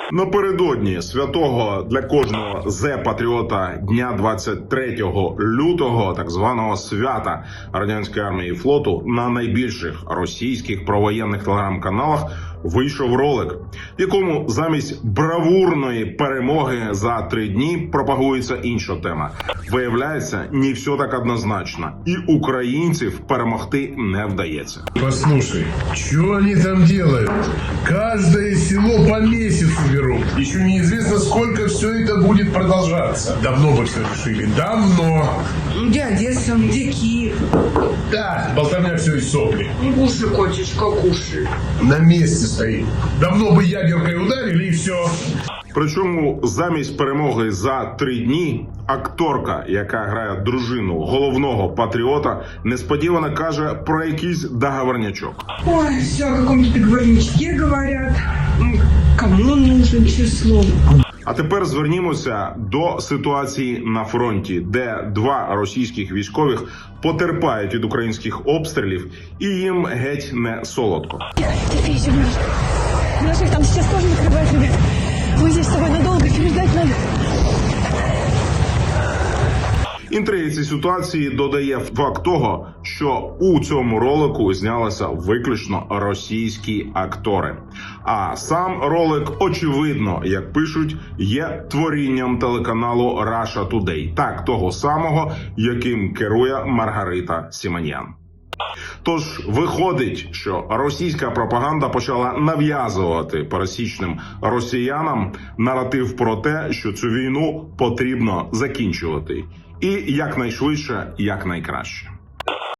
Напередодні святого для кожного зе-патріота дня 23 лютого, так званого свята радянської армії і флоту, на найбільших російських провоєнних телеграм-каналах вийшов ролик, в якому замість бравурної перемоги за 3 дні пропагується інша тема. Виявляється, не все так однозначно, і українців перемогти не вдається. Послушай, что они там делают? Каждое село по месяцу берут. Еще неизвестно, сколько все это будет продолжаться. Давно бы все решили. Давно. Где Одесса, где Киев? Да, болтовня все из сопли. Кушай, котечка, кушай. На месте стоит. Давно бы ядеркой ударили и все. Причому замість перемоги за 3 дні акторка, яка грає дружину головного патріота, несподівано каже про якийсь договорнячок. Ой, все о каком-то договорничке говорят. Кому он нужен, число? А тепер звернімося до ситуації на фронті, де 2 російських військових потерпають від українських обстрілів і їм геть не солодко. Терпи, Сереж. Наших там сейчас тоже накрывает, ребят. Мы здесь с тобой надолго, переждать надо. Інтриги цієї ситуації додає факт того, що у цьому ролику знялися виключно російські актори. А сам ролик, очевидно, як пишуть, є творінням телеканалу Russia Today, так того самого, яким керує Маргарита Сімоньян. Тож виходить, що російська пропаганда почала нав'язувати пересічним росіянам наратив про те, що цю війну потрібно закінчувати. І якнайшвидше, якнайкраще.